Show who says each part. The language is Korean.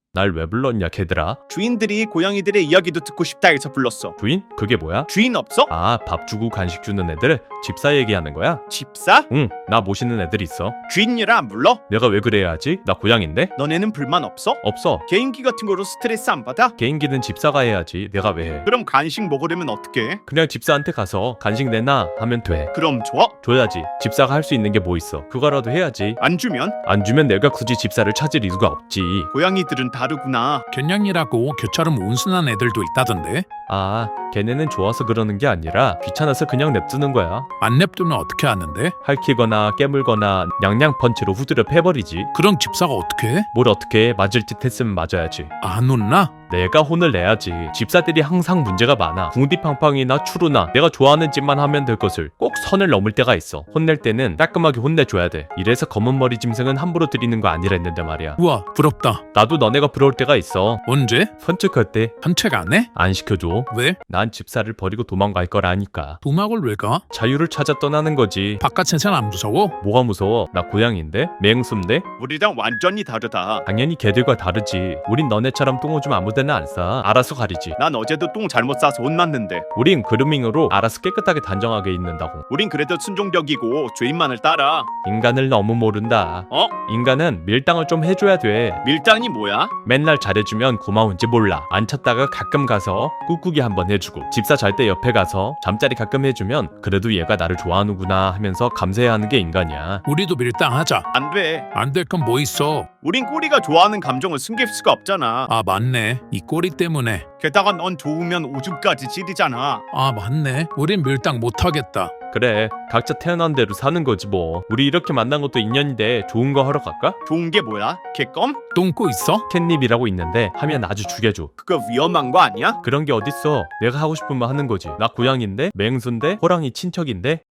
Speaker 1: 날 왜 불렀냐 걔들아?
Speaker 2: 주인들이 고양이들의 이야기도 듣고 싶다 해서 불렀어.
Speaker 1: 주인? 그게 뭐야?
Speaker 2: 주인 없어?
Speaker 1: 아, 밥 주고 간식 주는 애들? 집사 얘기하는 거야?
Speaker 2: 집사?
Speaker 1: 응, 나 모시는 애들 있어.
Speaker 2: 주인이라 안 불러?
Speaker 1: 내가 왜 그래야 하지? 나 고양인데?
Speaker 2: 너네는 불만 없어?
Speaker 1: 없어.
Speaker 2: 개인기 같은 거로 스트레스 안 받아?
Speaker 1: 개인기는 집사가 해야지. 내가 왜 해?
Speaker 2: 그럼 간식 먹으려면 어떻게 해?
Speaker 1: 그냥 집사한테 가서 간식 내놔 하면 돼.
Speaker 2: 그럼 좋아?
Speaker 1: 줘야지. 집사가 할 수 있는 게 뭐 있어? 그거라도 해야지.
Speaker 2: 안 주면?
Speaker 1: 안 주면 내가 굳이 집사를 찾을 이유가 없지.
Speaker 2: 고양이들은 다르구나.
Speaker 3: 견냥이라고 교처럼 온순한 애들도 있다던데.
Speaker 1: 아, 걔네는 좋아서 그러는 게 아니라 귀찮아서 그냥 냅두는 거야.
Speaker 3: 안 냅두면 어떻게 하는데?
Speaker 1: 핥히거나 깨물거나 냥냥 펀치로 후드려 패버리지.
Speaker 3: 그럼 집사가 어떻게 해?
Speaker 1: 뭘 어떻게 해? 맞을 듯 했으면 맞아야지.
Speaker 3: 안 혼나?
Speaker 1: 내가 혼을 내야지. 집사들이 항상 문제가 많아. 궁디팡팡이나 추루나 내가 좋아하는 짓만 하면 될 것을 꼭 선을 넘을 때가 있어. 혼낼 때는 따끔하게 혼내줘야 돼. 이래서 검은 머리 짐승은 함부로 들이는 거 아니라 했는데 말이야.
Speaker 3: 우와 부럽다.
Speaker 1: 나도 너네가 부러울 때가 있어.
Speaker 3: 언제?
Speaker 1: 선축할 때 안
Speaker 3: 산책 안 해?
Speaker 1: 시켜줘.
Speaker 3: 왜?
Speaker 1: 난 집사를 버리고 도망갈 거라니까.
Speaker 3: 도막을 왜 가?
Speaker 1: 자유를 찾아 떠나는 거지.
Speaker 3: 바깥 세상 안 무서워?
Speaker 1: 뭐가 무서워? 나 고양인데? 맹수인데?
Speaker 2: 우리랑 완전히 다르다.
Speaker 1: 당연히 걔들과 다르지. 우린 너네처럼 똥 오줌 아무데나 안 싸. 알아서 가리지.
Speaker 2: 난 어제도 똥 잘못 싸서 혼났는데.
Speaker 1: 우린 그루밍으로 알아서 깨끗하게 단정하게 있는다고.
Speaker 2: 우린 그래도 순종적이고 주인만을 따라.
Speaker 1: 인간을 너무 모른다.
Speaker 2: 어?
Speaker 1: 인간은 밀당을 좀 해줘야 돼.
Speaker 2: 밀당이 뭐야?
Speaker 1: 맨날 잘해주면 고마운지 몰라. 안 찾다가 가끔 가서 꾹꾹이 한번 해주고, 집사 잘 때 옆에 가서 잠자리 가끔 해주면 그래도 얘가 나를 좋아하는구나 하면서 감사해야 하는 게 인간이야.
Speaker 3: 우리도 밀당하자.
Speaker 2: 안 돼.
Speaker 3: 안 될 건 뭐 있어?
Speaker 2: 우린 꼬리가 좋아하는 감정을 숨길 수가 없잖아.
Speaker 3: 아 맞네. 이 꼬리 때문에.
Speaker 2: 게다가 넌 좋으면 오줌까지 지리잖아.
Speaker 3: 아 맞네. 우린 밀당 못하겠다.
Speaker 1: 그래, 각자 태어난 대로 사는 거지 뭐. 우리 이렇게 만난 것도 인연인데 좋은 거 하러 갈까?
Speaker 2: 좋은 게 뭐야? 개껌?
Speaker 3: 똥꼬 있어?
Speaker 1: 캣닙이라고 있는데 하면 아주 죽여줘.
Speaker 2: 그거 위험한 거 아니야?
Speaker 1: 그런 게 어딨어. 내가 하고 싶은 말 하는 거지. 나 고양인데 맹수인데 호랑이 친척인데